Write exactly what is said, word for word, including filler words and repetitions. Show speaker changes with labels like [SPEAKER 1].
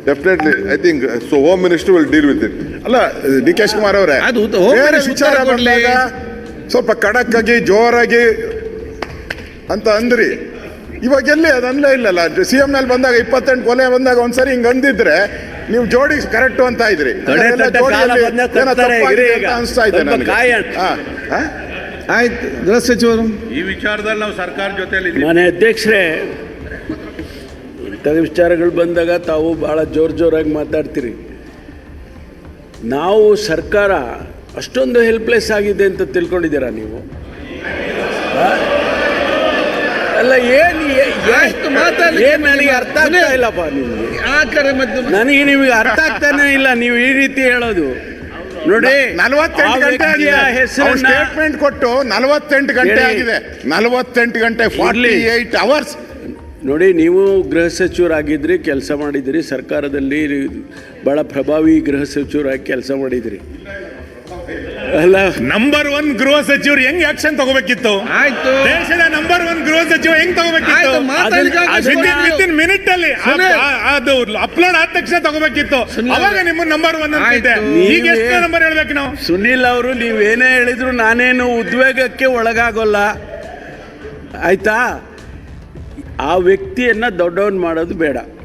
[SPEAKER 1] Definitely I think so home minister will deal with it. ಅಲ್ಲ D K Shivakumar ಅವರೇ,
[SPEAKER 2] ಅದು home
[SPEAKER 1] ಬೇರೆ
[SPEAKER 2] minister
[SPEAKER 1] ವಿಚಾರ
[SPEAKER 2] ಉತ್ತರ ಕೊಡ್ಲಿ.
[SPEAKER 1] ಬಂದಾಗ ಸ್ವಲ್ಪ ಖಡಕ್ ಆಗಿ ಜೋರಾಗಿ ಅಂತ ಅಂದ್ರಿ. ಇವಾಗ ಎಲ್ಲಿ ಅದು ಅನ್ಲೇ ಇಲ್ಲಲ್ಲ. ಸಿ ಎಂ ನಲ್ಲಿ ಬಂದಾಗ ಇಪ್ಪತ್ತೆಂಟು ಕೊಲೆ ಬಂದಾಗ ಒಂದ್ಸರಿ ಹಿಂಗ್ ಅಂದಿದ್ರೆ ನೀವು ಜೋಡಿ ಕರೆಕ್ಟ್ ಅಂತ ಇದ್ರಿ. ಅನಿಸ್ತಾ ಇದೆ ನನಗೆ.
[SPEAKER 2] ಆಯ್ತು ಗೃಹ ಸಚಿವರು,
[SPEAKER 3] ಈ ವಿಚಾರದಲ್ಲಿ ನಾವು ಸರ್ಕಾರ ಜೊತೆಲಿ
[SPEAKER 4] ಮನೆ ಅಧ್ಯಕ್ಷರೇ, ಇಂಥ ವಿಚಾರಗಳು ಬಂದಾಗ ತಾವು ಭಾಳ ಜೋರು ಜೋರಾಗಿ ಮಾತಾಡ್ತೀರಿ. ನಾವು ಸರ್ಕಾರ ಅಷ್ಟೊಂದು ಹೆಲ್ಪ್ಲೆಸ್ ಆಗಿದೆ ಅಂತ ತಿಳ್ಕೊಂಡಿದ್ದೀರಾ ನೀವು? ಅಲ್ಲ, ಏನು
[SPEAKER 2] ಎಷ್ಟು ಮಾತಾಡಲಿ
[SPEAKER 4] ಏನು ನನಗೆ ಅರ್ಥ ಆಗ್ತಾ ಇಲ್ಲಪ್ಪ. ನಿಮಗೆ
[SPEAKER 2] ಆ ಕಡೆ ಮತ್ತು
[SPEAKER 4] ನನಗೆ ನಿಮಗೆ ಅರ್ಥ ಆಗ್ತಾನೆ ಇಲ್ಲ ನೀವು ಈ ರೀತಿ ಹೇಳೋದು. ನೋಡಿ,
[SPEAKER 1] ನಲವತ್ತೆಂಟು ಗಂಟೆ ಆಗಿದೆ
[SPEAKER 4] ಹೆಸರನ್ನ
[SPEAKER 1] ಸ್ಟೇಟ್ಮೆಂಟ್ ಕೊಟ್ಟು ನಲವತ್ತೆಂಟು ಗಂಟೆ ಆಗಿದೆ. ನಲವತ್ತೆಂಟು ಗಂಟೆ ಫಾರ್ಟಿ ಏಟ್ ಅವರ್ಸ್.
[SPEAKER 4] ನೋಡಿ, ನೀವು ಗೃಹ ಸಚಿವರಾಗಿದ್ರಿ, ಕೆಲಸ ಮಾಡಿದಿರಿ, ಸರ್ಕಾರದಲ್ಲಿ ಭಾಳ ಪ್ರಭಾವಿ ಗೃಹ ಸಚಿವರಾಗಿ ಕೆಲಸ ಮಾಡಿದಿರಿ. ಅಲ್ಲ,
[SPEAKER 5] ನಂಬರ್ ಒನ್ ಗೃಹ ಸಚಿವರು ಹೆಂಗ್ ಆಕ್ಷನ್ ತಗೋಬೇಕಿತ್ತು?
[SPEAKER 2] ಆಯ್ತು,
[SPEAKER 5] ದೇಶದ ನಂಬರ್ ಒನ್ ಗೃಹ ಸಚಿವ ಹೆಂಗ್ ತಗೋಬೇಕಿತ್ತು?
[SPEAKER 2] ಆಯ್ತು, ಮಾತಾಡ್ಲಿಕ್ಕೆ
[SPEAKER 4] ಅದನ್ನ-
[SPEAKER 5] ವಿತಿನ್ ಮಿನಿಟ್ ಅಲ್ಲಿ
[SPEAKER 2] ಸುನಿಲ್.
[SPEAKER 5] ಆ- ಅದು ಅಪ್ಲೋಡ್ ಆದ ತಕ್ಷಣ ತಗೋಬೇಕಿತ್ತು.
[SPEAKER 2] ಸುನಿಲ್.
[SPEAKER 5] ಅವಾಗ ನಿಮ್ಮ ನಂಬರ್ ಒನ್ ಅಂತಿದೆ.
[SPEAKER 2] ಆಯ್ತು.
[SPEAKER 5] ಈಗ ಎಷ್ಟು ನಂಬರ್ ಹೇಳ್ಬೇಕು ನಾವು?
[SPEAKER 4] ಸುನೀಲ್ ಅವರು, ನೀವೇನೇ ಹೇಳಿದ್ರು ನಾನೇನು ಉದ್ವೇಗಕ್ಕೆ ಒಳಗಾಗೋಲ್ಲ, ಆಯ್ತಾ? ಆ ವ್ಯಕ್ತಿಯನ್ನ ದೊಡ್ಡವನ್ ಮಾಡೋದು ಬೇಡ.